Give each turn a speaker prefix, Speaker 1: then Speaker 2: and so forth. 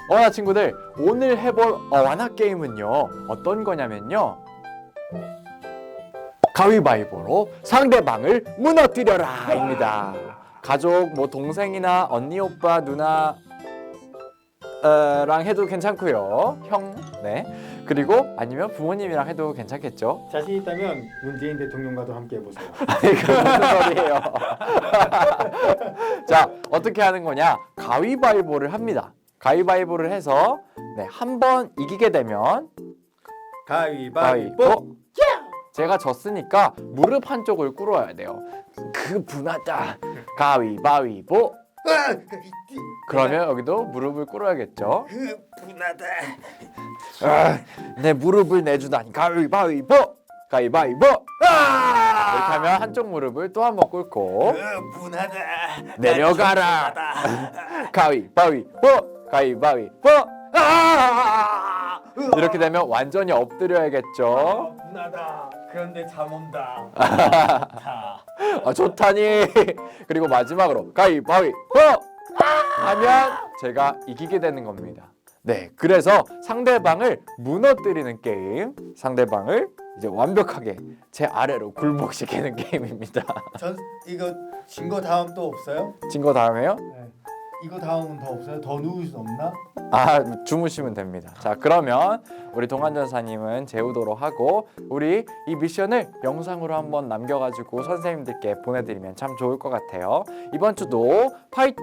Speaker 1: 어와나 친구들, 오늘 해볼 어와나 게임은요, 어떤 거냐면요, 가위바위보로 상대방을 무너뜨려라 입니다. 가족, 뭐 동생이나 언니, 오빠, 누나 랑 해도 괜찮고요. 형, 네. 그리고 아니면 부모님이랑 해도 괜찮겠죠.
Speaker 2: 자신 있다면 문재인 대통령과도 함께 해보세요.
Speaker 1: 아니, 그 무슨 소리예요? 자, 어떻게 하는 거냐? 가위바위보를 합니다. 가위바위보를 해서 네, 한 번 이기게 되면
Speaker 2: 가위바위보.
Speaker 1: 제가 졌으니까 무릎 한쪽을 꿇어야 돼요. 그 분하다. 가위바위보. 그러면 여기도 무릎을 꿇어야겠죠.
Speaker 2: 분하다.
Speaker 1: 내 무릎을 내주다니. 가위바위보. 가위바위보. 이렇게 하면 한쪽 무릎을 또 한 번 꿇고
Speaker 2: 분하다.
Speaker 1: 내려가라. 가위바위보. 가위바위보. 이렇게 되면 완전히 엎드려야겠죠.
Speaker 2: 분하다. 그런데 잠 온다.
Speaker 1: 좋다니. 그리고 마지막으로 가위바위보 하면 제가 이기게 되는 겁니다. 네, 그래서 상대방을 무너뜨리는 게임, 상대방을 이제 완벽하게 제 아래로 굴복시키는 게임입니다.
Speaker 2: 전 이거 진 거 다음 또 없어요?
Speaker 1: 진 거 다음에요?
Speaker 2: 네. 이거 다음은 더 없어요? 더 누울 수 없나?
Speaker 1: 주무시면 됩니다. 자, 그러면 우리 동안전사님은 재우도록 하고, 우리 이 미션을 영상으로 한번 남겨가지고 선생님들께 보내드리면 참 좋을 것 같아요. 이번 주도 파이팅!